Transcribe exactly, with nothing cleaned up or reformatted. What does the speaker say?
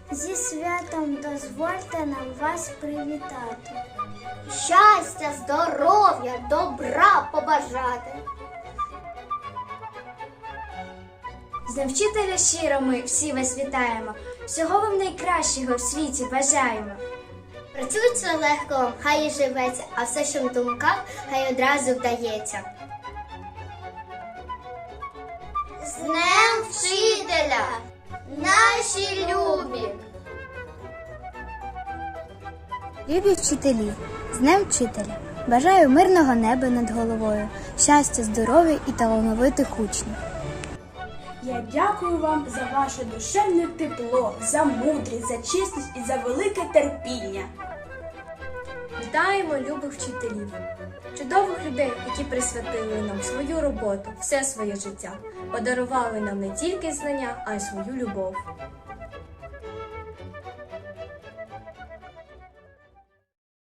Зі святом дозвольте нам вас привітати. Щастя, здоров'я, добра побажати. З Днем вчителя щиро ми всі вас вітаємо. Всього вам найкращого в світі бажаємо. Працюється легко, хай і живеться, а все, що в думках, хай одразу вдається. З Днем вчителя, наші любі! Любі вчителі, з Днем вчителя! Бажаю мирного неба над головою, щастя, здоров'я і талановитих учнів. Я дякую вам за ваше душевне тепло, за мудрість, за чесність і за велике терпіння. Вітаємо любих вчителів, чудових людей, які присвятили нам свою роботу, все своє життя, подарували нам не тільки знання, а й свою любов.